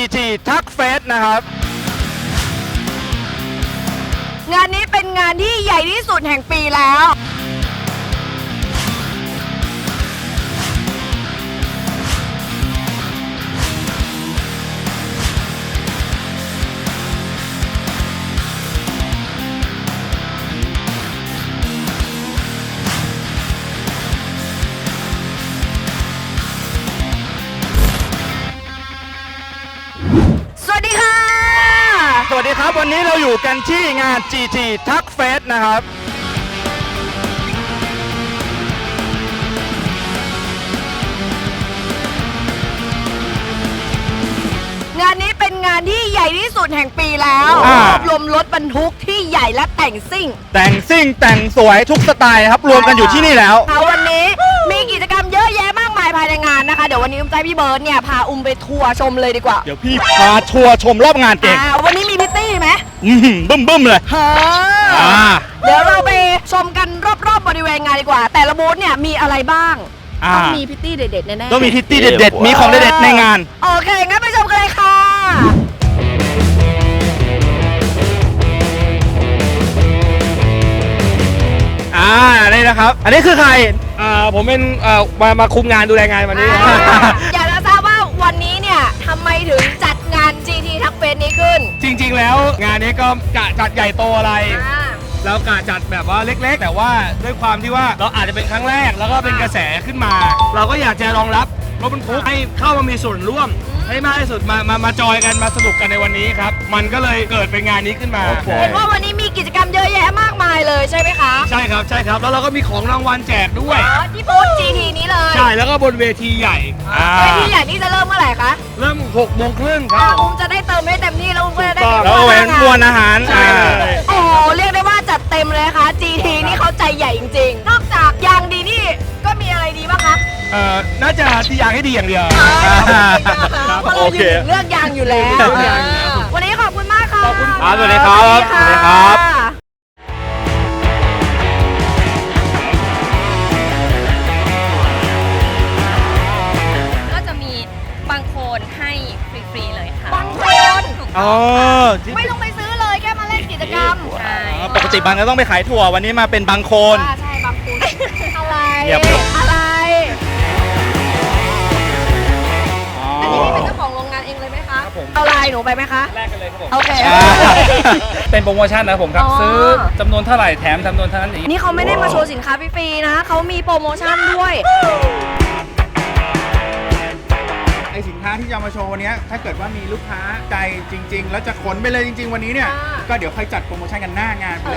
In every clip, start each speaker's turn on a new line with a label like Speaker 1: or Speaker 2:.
Speaker 1: GT ทักเฟสนะครับ
Speaker 2: งานนี้เป็นงานที่ใหญ่ที่สุดแห่งปีแล้ว สวัสดีค่ะ
Speaker 1: สวัสดีครับวันนี้เราอยู่กันที่งาน GT ทักเฟสนะครับ
Speaker 2: งานนี้เป็นงานที่ใหญ่ที่สุดแห่งปีแล้วรวบรวมรถบรรทุกที่ใหญ่และแต่งซิ่ง
Speaker 1: แต่งซิ่งแต่งสวยทุกสไตล์นะครับรวมกันอยู่ที่นี่แล้ว
Speaker 2: วันนี้มีกิจกรรมเยอะแยะมากมายภายในงานนะคะเดี๋ยววันนี้อุ้มใจพี่เบิร์ดเนี่ยพาอุ้มไปทัวร์ชมเลยดีกว่า
Speaker 1: เดี๋ยวพี่พาทัวร์ชมรอบงานเก่ง
Speaker 2: วันนี้มีพิตตี้ไหม
Speaker 1: บึ้มเลย
Speaker 2: เดี๋ยวเราไปชมกันรอบๆบริเวณงานดีกว่า แต่ละบูธเนี่ยมีอะไรบ้างต้องมีพิตตี้เด็ดๆแน่ๆ
Speaker 1: ต้องมีพิตตี้เด็ดๆมีของเด็ดๆในงาน
Speaker 2: โอเคงั้นไปชมกันเลยค่ะ
Speaker 1: นี่นะครับ อันนี้คือใคร
Speaker 3: ผมเป็นมาคุมงานดูแลงานวันนี้
Speaker 2: อยากจะทราบว่าวันนี้เนี่ยทำไมถึงจัดงาน GT ทักเฟสนี้ขึ้น
Speaker 3: จริงๆแล้วงานนี้ก็กะจัดใหญ่โตอะไร แล้วกะจัดแบบว่าเล็กๆ แต่ว่าด้วยความที่ว่าเราอาจจะเป็นครั้งแรกแล้วก็เป็นกระแสขึ้นมา เราก็อยากจะรองรับรถบรรทุกให้เข้ามามีส่วนร่วมให้มากที่สุดมาจอยกันมาสนุกกันในวันนี้ครับมันก็เลยเกิดเป็นงานนี้ขึ้นมา
Speaker 2: เห็นว่าวันนี้มีกิจกรรมเยอะแยะมากมายเลยใช่ไหมคะ
Speaker 3: ใช่ครับแล้วเราก็มีของรางวัลแจกด้วย
Speaker 2: ที่บูธ GT นี้เลย
Speaker 3: ใช่แล้วก็บนเวทีใหญ่
Speaker 2: เวทีใหญ่นี่จะเริ่มเมื่อไหร่คะ
Speaker 3: เริ่ม6:30ครับ
Speaker 2: อุ้มจะได้เติมให้เต็มที่แล้วอุ้มก็จะได้
Speaker 1: แล้วก็เว้นมวลอาหาร
Speaker 3: ใช่
Speaker 2: โอ้โหเรียกได้ว่าจัดเต็มเลยนะคะ GT นี่เขาใจใหญ่จริงๆ นอกจากยางดีนี่ก็มีอะไรดีบ้างคะ
Speaker 3: น่าจะที่อยากให้ดีอย่างเดียว
Speaker 2: เพราะเราอยู่เลือกยางอยู่แล้ว วันนี้ขอบคุณมากค่ะ
Speaker 3: ขอบคุณ
Speaker 1: ครับสวัสดีครับสวัสดีครับ
Speaker 4: ก็จะมีบางโคนให้ฟรีๆเลยค่ะ
Speaker 2: บางคน
Speaker 1: อ๋อ
Speaker 2: ไม่ต้องไปซื้อเลยแค่มาเล่นกิจกรรม
Speaker 4: ใช่
Speaker 1: ปกติบางก็ต้องไปขายถั่ววันนี้มาเป็นบางโคน
Speaker 2: ใช่บางคนอะไร
Speaker 1: เงียบเลย
Speaker 2: อะไร
Speaker 1: อ๋อ
Speaker 2: อันนี้นี่เป็นเจ้าของโรงงานเองเลยไหมคะ
Speaker 3: ครับผม
Speaker 2: เอาไลน์หนูไปไหมคะ
Speaker 3: แรกกันเลยครับผม
Speaker 2: โอเค
Speaker 3: เป็นโปรโมชั่นนะครับผมครับ
Speaker 2: อ๋อ
Speaker 3: ซื้อจำนวนเท่าไหร่แถมจำนวนเท่านั้นเอง
Speaker 2: นี่เขาไม่ได้มาโชว์สินค้าฟรีๆนะเขามีโปรโมชั่นด้วย
Speaker 5: ไอสินค้าที่จะเอามาโชว์วันนี้ถ้าเกิดว่ามีลูกค้าใจจริง ๆ แล้วจะขนไปเลยจริง ๆ วันนี้เนี่ย
Speaker 2: ค่ะ
Speaker 5: ก็เดี๋ยวค่อยจัดโปรโมชั่นกันหน้างานไปเลย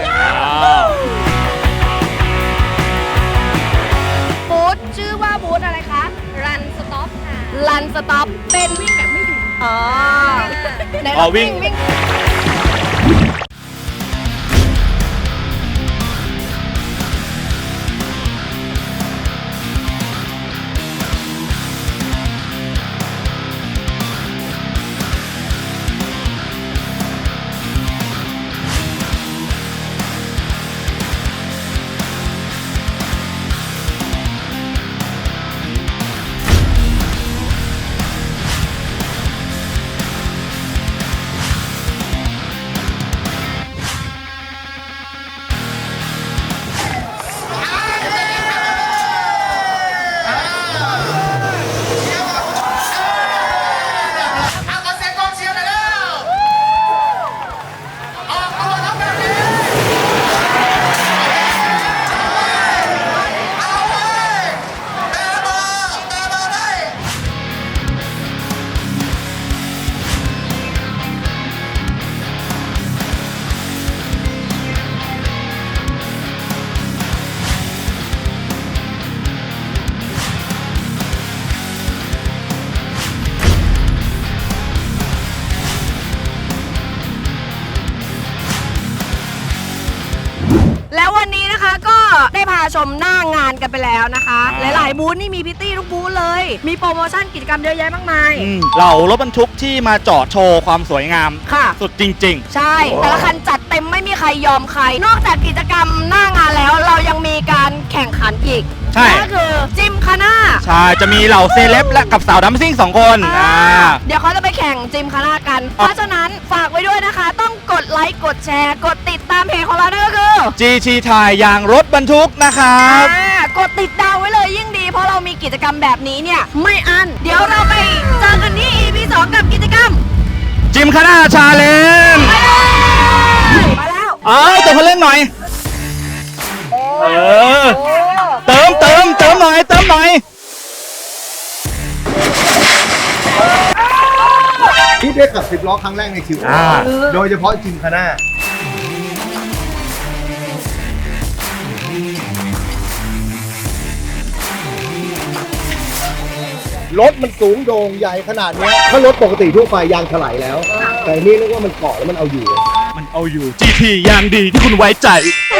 Speaker 2: บูธชื่อว่าบูธอะไรคะ
Speaker 4: รันสต็อปค่ะ
Speaker 2: รันสต็อปเป็นวิ่งแบบไม่หยุดอ๋อไหน
Speaker 1: อ๋
Speaker 2: เรา
Speaker 1: อวิ่
Speaker 2: วิ่
Speaker 1: ง
Speaker 2: งแล้ววันนี้นะคะก็ได้พาชมหน้างานกันไปแล้วนะคะ หลายๆบูธนี่มีพิตตี้ทุกบูธเลย มีโปรโมชั่นกิจกรรมเยอะแยะมากมาย
Speaker 1: เหล่ารถบรรทุกที่มาจอดโชว์ความสวยงาม
Speaker 2: ค่ะ
Speaker 1: สุดจริง
Speaker 2: ใช่ แต่ละคันจัดเต็มไม่มีขรยอมใคร นอกจากกิจกรรมหน้างานแล้วเรายังมีการแข่งขันอีก
Speaker 1: ใช่
Speaker 2: ก็คือจิมคาน่า
Speaker 1: ใช่ จะมีเหล่าเซเลบและกับสาวดัมซิ่ง2 คน
Speaker 2: เดี๋ยวเขาจะไปแข่งจิมคาน่ากัน เพราะฉะนั้นฝากไว้ด้วยนะคะ ต้องกดไลค์กดแชร์ กดติดตามเพจของเรานั่นก็คือ
Speaker 1: GT ถ่ายยางรถบรรทุกนะครับ
Speaker 2: กดติดดาวไว้เลยยิ่งดี เพราะเรามีกิจกรรมแบบนี้เนี่ยไม่อั้นเดี๋ยวเราไปเจอกันที่ EP 2 กับกิจกรรม
Speaker 1: จิมคาน่าชาเลนจ์
Speaker 2: มาแล้ว
Speaker 1: ตัวเขาเล่นหน่อย เติมหน่อย
Speaker 6: ที่ได้ขับ10 ล้อครั้งแรกในชีวิตโดยเฉพาะจิมคาน่ารถมันสูงโด่งใหญ่ขนาดเนี้ยถ้ารถปกติทั่วไปยางถลายแล้ว แต่นี่นึกว่ามันเกาะแล้วมันเอาอยู่
Speaker 1: มันเอาอยู่ GT ยางดีที่คุณไว้ใจ